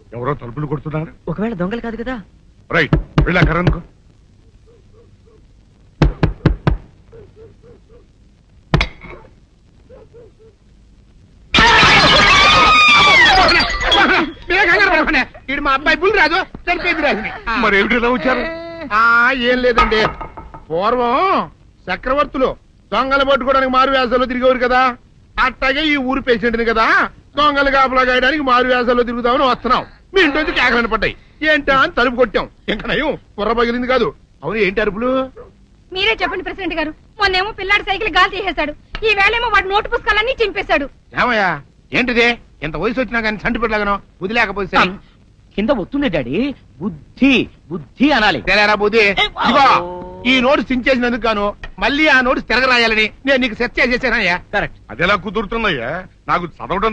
ఎవరో తలుపులు కొడుతున్నారు. ఒకవేళ దొంగలు కాదు కదా. రైట్, వెళ్ళాకరనుకో. ఇడు మా అబ్బాయి బుల్ రాజు చనిపోయింది రాజుని. మరి ఏమిటి ఇలా వచ్చారు? ఏం లేదండి, పూర్వం చక్రవర్తులు దొంగలు పట్టుకోవడానికి మారు వేసాల్లో తిరిగేవారు కదా, అట్టాగే ఈ ఊరు పేషెంట్ని కదా దొంగలు కాపలా గాయడానికి మారు వేసాల్లో తిరుగుతామని వస్తున్నాం. మీ ఇంటి నుంచి కేకలను పడ్డాయి. ఏంటా అని తలుపు కొట్టాం. ఇంకా నయం కుర్ర పగిలింది కాదు. అవును, ఏంటి అరుపులు? మీరే చెప్పండి ప్రెసిడెంట్ గారు. మొన్నేమో పిల్లాడి సైకిల్ గాలి తీసేశాడు, ఈ వేళేమో వాడి నోటు పుస్తకాలన్నీ చింపేశాడు. ఏమయ్యా ఏంటిదే? ఇంత వయసు వచ్చినా కానీ సంటి పెట్టలాగను బుద్ధి లేకపోతే కింద వస్తుంది డాడీ. బుద్ధి బుద్ధి అనాలి. తెలేరా బుద్ధి? ఇదిగో, ఈ నోటు సించేసినందుకు గాను మళ్ళీ ఆ నోటు తిరగరాయాలని నేను నీకు సెట్ చేసేసానయ్యా. కరెక్ట్. అది ఎలా కుదురుతుందయ్యా? నాకు చదవడం